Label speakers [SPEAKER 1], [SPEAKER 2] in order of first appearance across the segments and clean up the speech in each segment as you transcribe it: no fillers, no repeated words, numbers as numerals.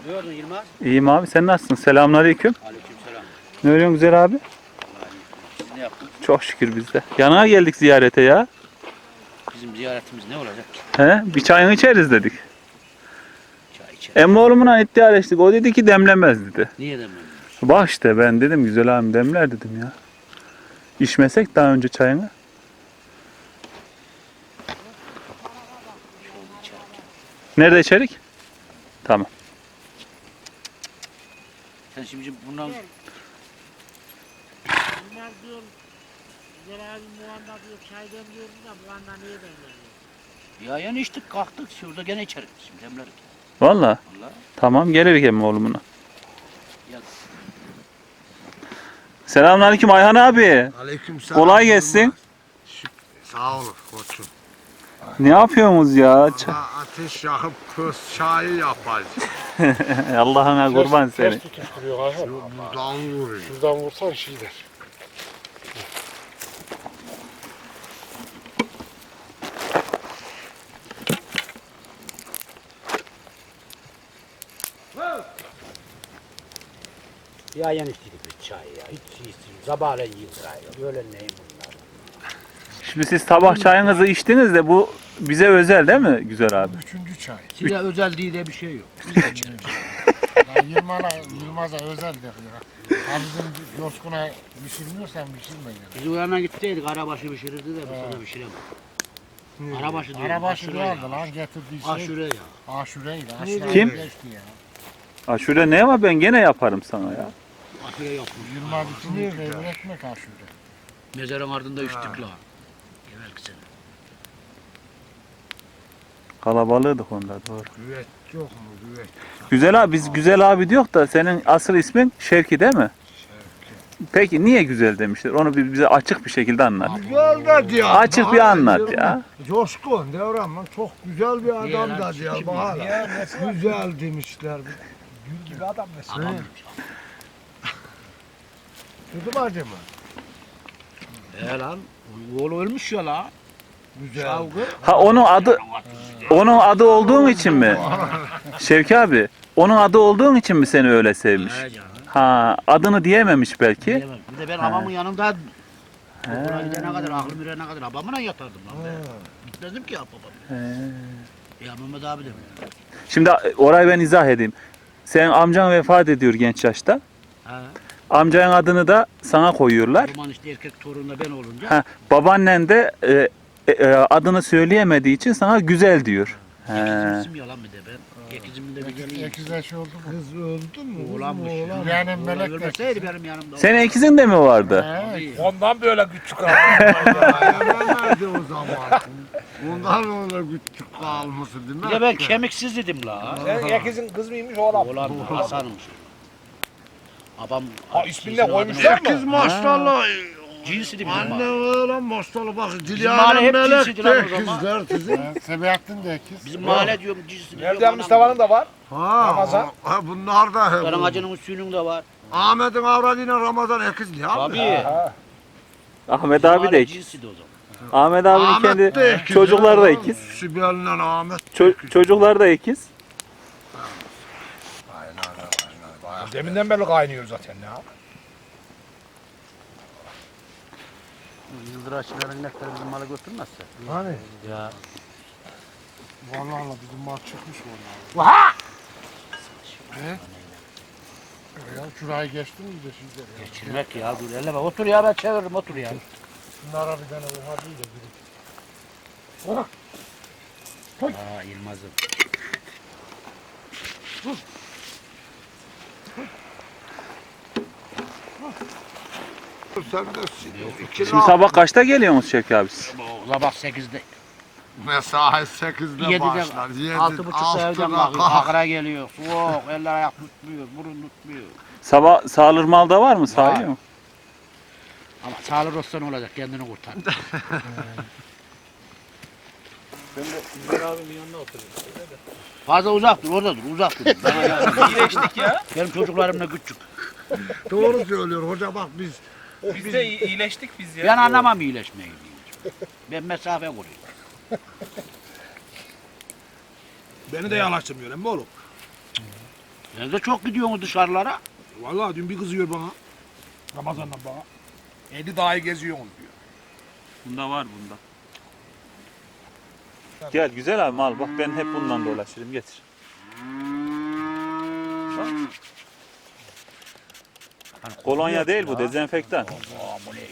[SPEAKER 1] gördün Yılmaz?
[SPEAKER 2] İyiyim abi, sen nasılsın? Selamünaleyküm.
[SPEAKER 1] Aleykümselam.
[SPEAKER 2] Ne örüyorsun güzel abi?
[SPEAKER 1] Siz ne yaptınız?
[SPEAKER 2] Çok şükür biz de. Yanına geldik ziyarete ya.
[SPEAKER 1] Bizim ziyaretimiz ne olacak?
[SPEAKER 2] He? Bir çayını içeriz dedik.
[SPEAKER 1] Çay içelim.
[SPEAKER 2] Emmoğlu'mla iddialeştik. O dedi ki demlemez dedi.
[SPEAKER 1] Niye demiyorsun?
[SPEAKER 2] Bak işte ben dedim güzel abim demler dedim ya. İçmesek daha önce çayını. Nerede içerik? Tamam.
[SPEAKER 1] Sen şimdi bundan
[SPEAKER 3] Bunlar diyor, güzel abi muanda diyor, çay demliyordu da muanda niye demliyor?
[SPEAKER 1] ya yani içtik kalktık şurada gene içerik şimdi demlerik.
[SPEAKER 2] Valla.
[SPEAKER 1] Vallahi.
[SPEAKER 2] Tamam gelirik Emmoğlu'na.
[SPEAKER 1] Ya
[SPEAKER 2] Selamünaleyküm Ayhan abi.
[SPEAKER 4] Aleykümselam.
[SPEAKER 2] Kolay gelsin.
[SPEAKER 4] Sağ olun koçum.
[SPEAKER 2] Ne yapıyorsunuz ya?
[SPEAKER 4] Valla ateş yakıp köz çayı yapacağız.
[SPEAKER 2] Allah'ına kurban seni.
[SPEAKER 5] Ters tutuşturuyor Ayhan.
[SPEAKER 4] Buradan vuruyor.
[SPEAKER 5] Şuradan vursan şey der.
[SPEAKER 1] ya yani içtik bir çay ya. Hiç içtik. Sabahleyin yiyip böyle neyim bunlar?
[SPEAKER 2] Şimdi siz sabah çayınızı içtiniz de bu bize özel değil mi güzel abi?
[SPEAKER 5] Üçüncü çay.
[SPEAKER 1] Size özel diye de bir şey yok. Biz de içeriz.
[SPEAKER 5] Ya Yılmaz'a özel der ya. Ha bizim Coşkun'a pişirmiyorsan pişirme ya.
[SPEAKER 1] Biz o yana gittiydik. Arabaşı pişirirdi de bu sana pişiremez. Arabaşı diyor.
[SPEAKER 5] Arabaşı
[SPEAKER 1] aşure
[SPEAKER 5] vardı
[SPEAKER 1] ya.
[SPEAKER 5] lan getirdiği şey.
[SPEAKER 1] Aşure ya.
[SPEAKER 5] Aşure'ydi.
[SPEAKER 2] Kim?
[SPEAKER 5] Geçti ya.
[SPEAKER 2] Aşure ne var ben gene yaparım sana ya.
[SPEAKER 1] Aşure yapmış.
[SPEAKER 5] Yılmaz için değil de ekmek aşure.
[SPEAKER 1] Mezarın ardında içtik la. Evvelki sene.
[SPEAKER 2] Kalabalığıydık onda doğru.
[SPEAKER 4] Güveç yok mu güveç?
[SPEAKER 2] Güzel abi biz güzel abi diyor da senin asıl ismin Şevki değil mi? Peki niye güzel demişler? Onu bize açık bir şekilde anlat.
[SPEAKER 4] Güzel de diyor.
[SPEAKER 2] Açık bir anlat ya.
[SPEAKER 4] Coşkun Devran çok güzel bir
[SPEAKER 1] Niye
[SPEAKER 4] adam
[SPEAKER 1] lan?
[SPEAKER 4] da diyor.
[SPEAKER 1] Kim
[SPEAKER 4] Bak hala. Güzel demişler.
[SPEAKER 5] Gül gibi adam mesela.
[SPEAKER 1] Adam
[SPEAKER 4] Tutum acı mı?
[SPEAKER 1] lan. Oğlu ölmüş ya la.
[SPEAKER 4] Güzel.
[SPEAKER 1] Şavgı.
[SPEAKER 2] Ha onun adı olduğun için mi? Şevki abi onun adı olduğun için mi seni öyle sevmiş?
[SPEAKER 1] He canım.
[SPEAKER 2] Ha adını diyememiş belki.
[SPEAKER 1] Diyemem. Bir de ben babamın yanında okula gidene kadar, aklım yürüyene kadar babamla yatardım lan ben. Gitmezdim ki ya babam. Ya Mehmet abi de mi?
[SPEAKER 2] Şimdi orayı ben izah edeyim. Senin amcan vefat ediyor genç yaşta.
[SPEAKER 1] Ha.
[SPEAKER 2] Amcanın adını da sana koyuyorlar.
[SPEAKER 1] O zaman işte erkek torunu da ben olunca.
[SPEAKER 2] Ha, babaannen de adını söyleyemediği için sana güzel diyor.
[SPEAKER 1] Ekizim isim yalan bir de ben. Ekizimin de bir geleyim.
[SPEAKER 5] Ekizler şey oldu mu?
[SPEAKER 4] Kız öldü mü?
[SPEAKER 1] Oğlanmış.
[SPEAKER 4] Oğlan.
[SPEAKER 5] Yani
[SPEAKER 1] Oğlan
[SPEAKER 5] melek de.
[SPEAKER 1] ölmeseydi benim yanımda.
[SPEAKER 2] Senin ikizin de mi vardı?
[SPEAKER 1] Tabii.
[SPEAKER 5] Ondan böyle küçük aldı.
[SPEAKER 4] Nerede o zaman? Ondan öyle küçük kalması değil mi?
[SPEAKER 1] Bir de ben kemiksiz dedim la.
[SPEAKER 5] Ekizin kız mıymış oğlan?
[SPEAKER 1] Oğlan Hasan'mış. Babam
[SPEAKER 5] ismini de koymuşlar mı?
[SPEAKER 4] Sekiz maşallah.
[SPEAKER 1] cinsiydi bizim
[SPEAKER 4] Anne
[SPEAKER 1] mahalle.
[SPEAKER 4] öyle maşallah bak.
[SPEAKER 1] mahalle
[SPEAKER 4] Dilya'nın
[SPEAKER 1] hep
[SPEAKER 4] melek
[SPEAKER 1] cinsiydi lan
[SPEAKER 4] de
[SPEAKER 1] o zaman.
[SPEAKER 4] ikizler sizin.
[SPEAKER 5] Sebahattin de ekiz.
[SPEAKER 1] Bizim mahalle diyorum cinsiydi.
[SPEAKER 5] Nereden Mustafa'nın da var.
[SPEAKER 4] Ha,
[SPEAKER 5] Ramazan.
[SPEAKER 4] ha bunlar da hep.
[SPEAKER 1] Karan Hacı'nın üstünün de var.
[SPEAKER 4] Ahmet'in avradıyla Ramazan ekiz ya.
[SPEAKER 1] Tabii.
[SPEAKER 2] Ahmet abi de ikiz.
[SPEAKER 1] cinsiydi o zaman.
[SPEAKER 2] Ahmet abinin
[SPEAKER 4] Ahmet de
[SPEAKER 2] kendi
[SPEAKER 4] ikiz
[SPEAKER 2] çocukları da
[SPEAKER 4] ya.
[SPEAKER 2] ikiz.
[SPEAKER 4] Sibel'le Ahmet.
[SPEAKER 2] Çocuklar da ikiz.
[SPEAKER 5] Deminden beri kaynıyor zaten ya.
[SPEAKER 1] Yıldıraçların nektarı bizim malı götürmezse.
[SPEAKER 4] Hani?
[SPEAKER 1] Ya.
[SPEAKER 5] Vallahi bizim mal çıkmış vallahi.
[SPEAKER 1] Vaha!
[SPEAKER 5] Ne? Ya şurayı geçtin mi de sizde ya?
[SPEAKER 1] Geçirmek ya dur elle bak otur ya ben çeviririm otur ya.
[SPEAKER 5] Bunlara bir tane oha değil de biri.
[SPEAKER 1] Aa Yılmaz'ım.
[SPEAKER 4] Sen de iki
[SPEAKER 2] Şimdi sabah kaçta geliyorsunuz Şevki abi siz?
[SPEAKER 1] Sabah 8'de.
[SPEAKER 4] mesai 8'de
[SPEAKER 1] 7'de
[SPEAKER 4] başlar.
[SPEAKER 1] 6.30'da evden kalkıyor. Akra geliyor. Soğuk. Eller ayak tutmuyor. Burun tutmuyor.
[SPEAKER 2] Sabah sağılır malda var mı? Sağıyor mu?
[SPEAKER 1] Ama sağlık olsa ne olacak? Kendini kurtar.
[SPEAKER 2] Ben de İzmir abimin yanına oturuyorum.
[SPEAKER 1] Fazla uzak dur. Orada dur. Uzak dur.
[SPEAKER 2] İyileştik ya.
[SPEAKER 1] Benim çocuklarım da küçük.
[SPEAKER 4] Doğru söylüyor hoca bak biz.
[SPEAKER 2] Biz de iyileştik biz ya.
[SPEAKER 1] Ben anlamam iyileşmeyi. Ben mesafe koruyorum.
[SPEAKER 6] Beni de yanaştırmıyor emmi oğlum.
[SPEAKER 1] Sen de çok gidiyorsun dışarılara.
[SPEAKER 6] Vallahi dün bir kızıyor bana. Ramazan'dan bana. 50 dahi geziyorsun diyor.
[SPEAKER 2] Bunda var bunda. Gel güzel abi al bak ben hep bundan dolaşırım getir. Bak. Kolonya değil bu dezenfektan.
[SPEAKER 1] Bu ne ya?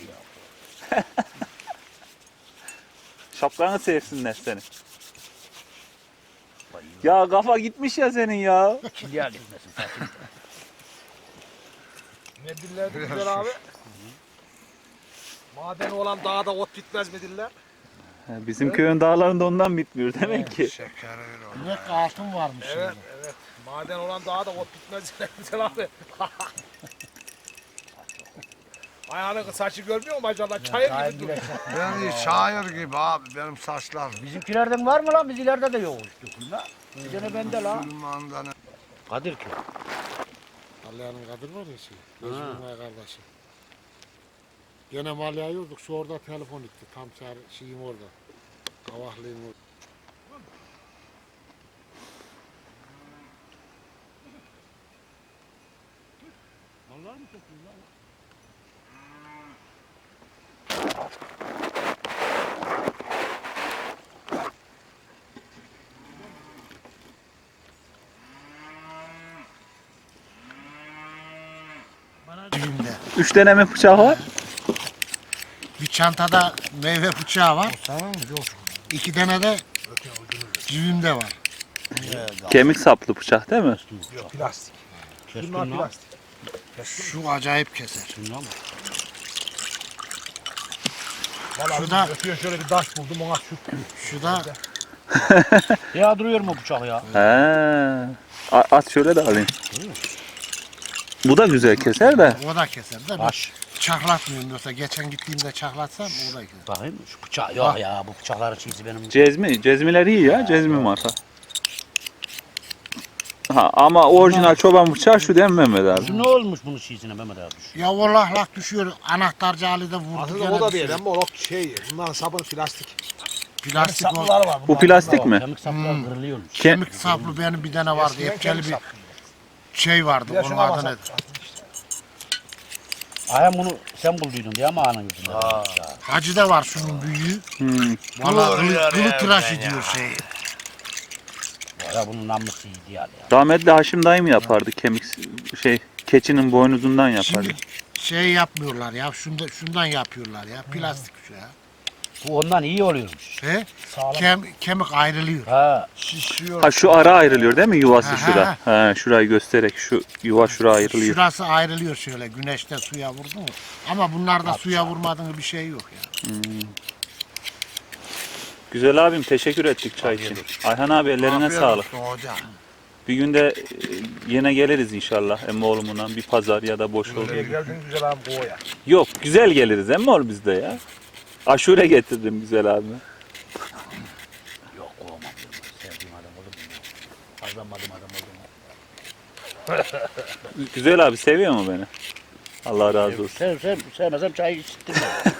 [SPEAKER 2] Şapkanı sevsinler seni. Ya kafa gitmiş ya senin ya.
[SPEAKER 1] Kilya gitmesin sakın.
[SPEAKER 6] Ne dillerdi güzel abi? Maden olan dağda ot bitmez mi diller?
[SPEAKER 2] Bizim köyün dağlarında ondan bitmiyor demek ki.
[SPEAKER 4] Şeker öyle oldu.
[SPEAKER 5] Ne altın varmış
[SPEAKER 6] Evet,
[SPEAKER 5] şimdi.
[SPEAKER 6] evet. Maden olan dağda ot bitmez diller güzel abi. Ayağının saçı görmüyor musun maşallah? Çayır gibi duruyor.
[SPEAKER 4] Ben şair gibi abi benim saçlar.
[SPEAKER 1] Bizimkilerden var mı lan? Bizilerde de yok. Dökülme. Bir tane bende la.
[SPEAKER 4] Süleyman'dan
[SPEAKER 1] Kadir ki.
[SPEAKER 5] Malya'nın kadın var ya şey. Necmi'nin kardeşi. Gene Malya'yı yorduk. Şu orada telefon etti. Tam şeyim orada. Kavaklıyım orada.
[SPEAKER 1] Vallahi mi topluyor lan?
[SPEAKER 5] Cebimde.
[SPEAKER 2] 3 tane bıçağı var.
[SPEAKER 5] Bir çantada meyve bıçağı var. İki tane de cebimde var.
[SPEAKER 2] Kemik saplı bıçak değil mi?
[SPEAKER 6] Plastik.
[SPEAKER 1] Keskin
[SPEAKER 6] Bunlar
[SPEAKER 1] lan.
[SPEAKER 6] plastik.
[SPEAKER 5] Şu acayip keser.
[SPEAKER 1] Şundan mı?
[SPEAKER 6] Vallahi
[SPEAKER 5] Şurada-
[SPEAKER 6] ötüyor şöyle bir taş buldum ona sürttüm.
[SPEAKER 5] Şu da
[SPEAKER 1] Ya duruyor mu bıçak ya?
[SPEAKER 2] He. At şöyle de alayım. Bu da güzel keser de.
[SPEAKER 5] o da keser de. Ben
[SPEAKER 1] Baş.
[SPEAKER 5] çaklatmıyorum yoksa geçen gittiğimde çaklatsam o da keser.
[SPEAKER 1] Bakayım şu bıçak yok ya bu bıçakları çizi benim.
[SPEAKER 2] Cezmiler iyi ya. Cezmi marka. Ha, ama orijinal çoban bıçağı şu değil mi Mehmet abi?
[SPEAKER 1] Şu ne olmuş bunun çizine Mehmet abi?
[SPEAKER 5] Ya vallahi düşüyor. Anahtarcı Ali de vurdu.
[SPEAKER 6] Aslında
[SPEAKER 5] gene
[SPEAKER 6] o da
[SPEAKER 5] düşüyor.
[SPEAKER 6] değil ama o şey. Bunların sabunu plastik.
[SPEAKER 5] Plastik o.
[SPEAKER 6] Saplıları var.
[SPEAKER 2] Bu plastik mi?
[SPEAKER 1] Kemik saplar kırılıyormuş.
[SPEAKER 5] Kemik saplı benim bir tane vardı. Epkeli bir şey vardı.
[SPEAKER 6] Ya
[SPEAKER 5] Onun
[SPEAKER 6] şuna
[SPEAKER 5] adı
[SPEAKER 6] bas.
[SPEAKER 5] nedir?
[SPEAKER 1] Ayağım bunu sen bulduydun diye ama anın yüzünden.
[SPEAKER 5] Hacı'da var şunun büyüğü. Vallahi kılı tıraş ediyor şeyi.
[SPEAKER 1] Ya bunun namusu iyiydi yani.
[SPEAKER 2] Rahmetli Haşim dayım yapardı kemik keçinin boynuzundan yapardı.
[SPEAKER 5] Şimdi şey yapmıyorlar ya. Şundan yapıyorlar ya. Plastik şu ya.
[SPEAKER 1] Bu ondan iyi oluyormuş.
[SPEAKER 5] He? Kemik ayrılıyor.
[SPEAKER 1] Ha.
[SPEAKER 5] Şişiyor.
[SPEAKER 2] Ha şu ara ayrılıyor değil mi yuvası
[SPEAKER 5] Ha,
[SPEAKER 2] şura? Ha şurayı göstererek şu yuva şura ayrılıyor.
[SPEAKER 5] Şurası ayrılıyor şöyle güneşte suya vurdu mu? Ama bunlarda suya vurmadığın bir şey yok ya.
[SPEAKER 2] Güzel abim teşekkür ettik çay için. Ayhan abi ellerine
[SPEAKER 4] Afiyet
[SPEAKER 2] sağlık.
[SPEAKER 4] olsun hocam.
[SPEAKER 2] Bir günde yine geliriz inşallah emmoğlumuna bir pazar ya da boş olur.
[SPEAKER 6] Buraya geldin güzel abi boya.
[SPEAKER 2] Yok güzel geliriz emmoğlu bizde ya. Aşure getirdim güzel abime.
[SPEAKER 1] Yok kovamam diyorum. Sevdiğim adam olur mu? Kazanmadım adam olur mu?
[SPEAKER 2] Güzel abi seviyor mu beni? Allah razı olsun.
[SPEAKER 1] Sevmesem çayı içtirmem.